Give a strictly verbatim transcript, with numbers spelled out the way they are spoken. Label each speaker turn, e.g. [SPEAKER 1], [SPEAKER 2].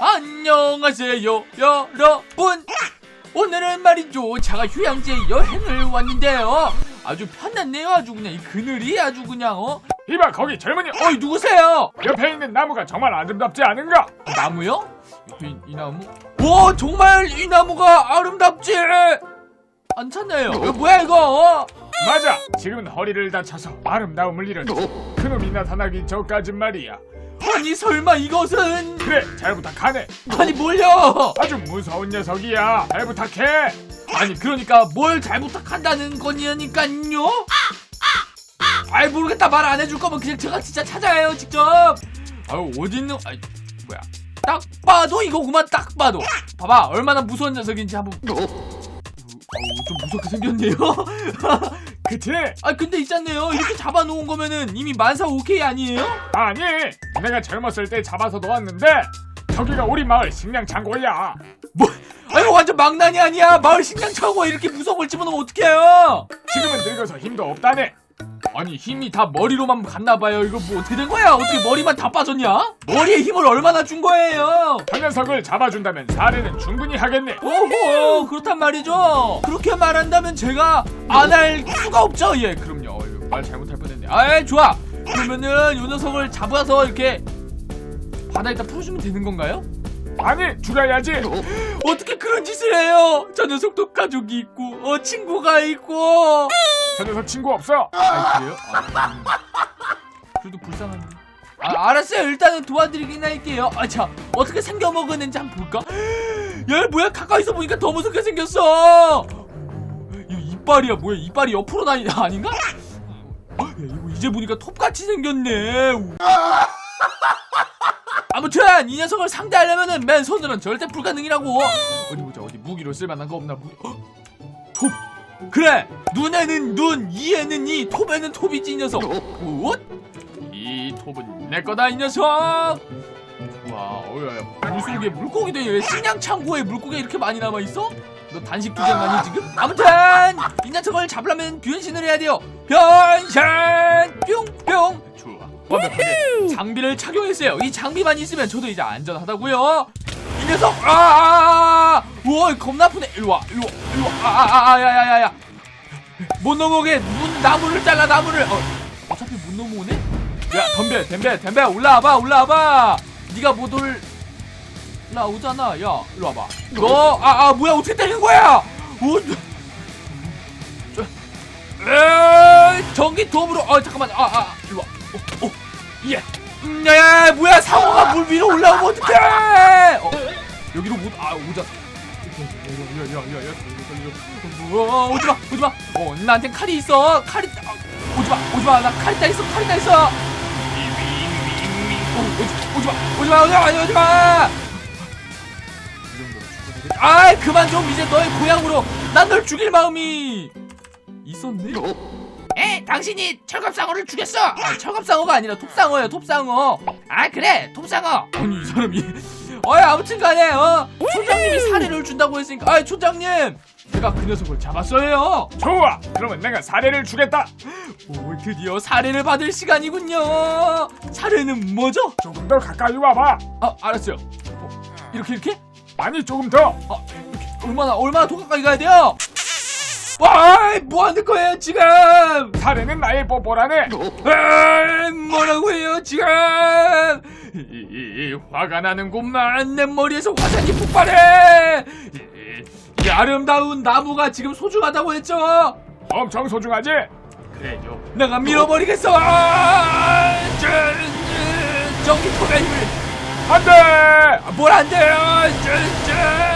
[SPEAKER 1] 안녕하세요 여러분. 오늘은 말이죠 제가 휴양지 여행을 왔는데요 아주 편안네요. 아주 그냥 이 그늘이 아주 그냥 어?
[SPEAKER 2] 이봐 거기 젊은이.
[SPEAKER 1] 어이 누구세요?
[SPEAKER 2] 옆에 있는 나무가 정말 아름답지 않은가?
[SPEAKER 1] 나무요? 이, 이 나무? 와 정말 이 나무가 아름답지 않잖아요. 이거 뭐야 이거? 어?
[SPEAKER 2] 맞아, 지금은 허리를 다쳐서 아름다움을 잃었지. 그놈이 나타나기 전까진 말이야.
[SPEAKER 1] 아니 설마 이것은?
[SPEAKER 2] 그래, 잘 부탁하네.
[SPEAKER 1] 아니 뭘요?
[SPEAKER 2] 아주 무서운 녀석이야. 잘 부탁해.
[SPEAKER 1] 아니 그러니까 뭘 잘 부탁한다는 거니까요? 아이 모르겠다. 말 안 해줄 거면 그냥 제가 진짜 찾아요 직접. 아유 어딨는 아이 뭐야 딱 봐도 이거구만. 딱 봐도 봐봐 얼마나 무서운 녀석인지 한번. 어우 좀 무섭게 생겼네요.
[SPEAKER 2] 그치?
[SPEAKER 1] 아 근데 있잖아요 이렇게 잡아놓은 거면은 이미 만사 오케이 아니에요?
[SPEAKER 2] 아니, 내가 젊었을 때 잡아서 놓았는데 저기가 우리 마을 식량 창고야.
[SPEAKER 1] 뭐? 아이고 완전 망나니 아니야. 마을 식량 창고에 이렇게 무서운 걸 집어넣으면 어떡해요?
[SPEAKER 2] 지금은 늙어서 힘도 없다네.
[SPEAKER 1] 아니 힘이 다 머리로만 갔나봐요. 이거 뭐 어떻게 된 거야? 어떻게 머리만 다 빠졌냐? 머리에 힘을 얼마나 준 거예요?
[SPEAKER 2] 저 녀석을 잡아준다면 사례는 충분히 하겠네.
[SPEAKER 1] 오호 그렇단 말이죠. 그렇게 말한다면 제가 안 할 수가 없죠. 예 그럼요. 어휴, 말 잘못할 뻔했네. 아이 좋아. 그러면은 요 녀석을 잡아서 이렇게 바다에다 풀어주면 되는 건가요?
[SPEAKER 2] 아니, 죽여야지.
[SPEAKER 1] 어떻게 그런 짓을 해요? 저 녀석도 가족이 있고 어 친구가 있고.
[SPEAKER 2] 저 녀석 친구 없어.
[SPEAKER 1] 아 그래요? 아, 음. 그래도 불쌍하네. 아 알았어요. 일단은 도와드리긴 할게요. 아자 어떻게 생겨먹었는지 한번 볼까? 야 뭐야 가까이서 보니까 더 무섭게 생겼어. 이거 이빨이야 뭐야? 이빨이 옆으로 나이 아닌가? 야 이거 이제 보니까 톱같이 생겼네. 아무튼 이 녀석을 상대하려면은 맨손으로는 절대 불가능이라고. 어디 보자. 어디 무기로 쓸만한 거 없나? 무기. 어? 톱. 그래. 눈에는 눈, 이에는 이, 톱에는 톱이지 이 녀석. 굿. 이 톱은 내 거다 이 녀석. 와, 어야, 물속에 물고기도 왜 식량 창고에 물고기가 이렇게 많이 남아 있어? 너 단식 투쟁 아니 지금? 아무튼 이 녀석을 잡으려면 변신을 해야 돼요. 변신. 뿅뿅. 좋아. 완벽하게 장비를 착용했어요. 이 장비만 있으면 저도 이제 안전하다고요. 이 녀석 아아아아 우와 겁나 아프네. 일로와 일로와 일로와 아아아아 야야야야 못 넘어오게 문 나무를 잘라. 나무를 어 어차피 못 넘어오네. 야 덤벼 덤벼 덤벼 올라와봐 올라와봐. 네가 못 올라오잖아. 야 일로와봐. 너 아아 뭐야 어떻게 때리는 거야? 오 에 전기 도움으로 어 잠깐만 아아 일로와. 어, 어, 예. 음, 야, 야, 뭐야, 상어가 물 위로 올라오면 어떡해! 어, 여기로 못, 아, 오자. 야, 야, 야, 야, 야, 어, 오지 마, 오지 마. 어, 나한텐 칼이 있어. 칼이, 아, 오지 마, 오지 마. 나 칼이 다 있어, 칼이 다 있어. 어, 오지, 오지 마, 오지 마, 오지 마, 오지 마. 아, 그만 좀 이제 너의 고향으로. 난 널 죽일 마음이 있었네. 에? 당신이 철갑상어를 죽였어! 아, 철갑상어가 아니라 톱상어예요, 톱상어. 아, 그래, 톱상어. 아니, 이 사람이. 어이, 아무튼 간에, 어? 촌장님이 사례를 준다고 했으니까. 아이, 촌장님! 제가 그 녀석을 잡았어요.
[SPEAKER 2] 좋아, 그러면 내가 사례를 주겠다.
[SPEAKER 1] 오, 드디어 사례를 받을 시간이군요. 사례는 뭐죠?
[SPEAKER 2] 조금 더 가까이 와봐.
[SPEAKER 1] 아, 알았어요. 어, 이렇게, 이렇게?
[SPEAKER 2] 아니, 조금 더.
[SPEAKER 1] 아, 이렇게. 얼마나, 얼마나 더 가까이 가야 돼요? 와, 뭐 하는 거예요 지금?
[SPEAKER 2] 사례는 나의 뽀뽀라네.
[SPEAKER 1] 아, 뭐라고 해요 지금? 이, 이, 이, 화가 나는구만. 내 머리에서 화산이 폭발해. 이, 이, 이 아름다운 나무가 지금 소중하다고 했죠?
[SPEAKER 2] 엄청 소중하지?
[SPEAKER 1] 그래요. 내가 밀어버리겠어. 아, 저, 저, 전기 토벤을.
[SPEAKER 2] 안돼.
[SPEAKER 1] 뭘 안 돼요? 저, 저.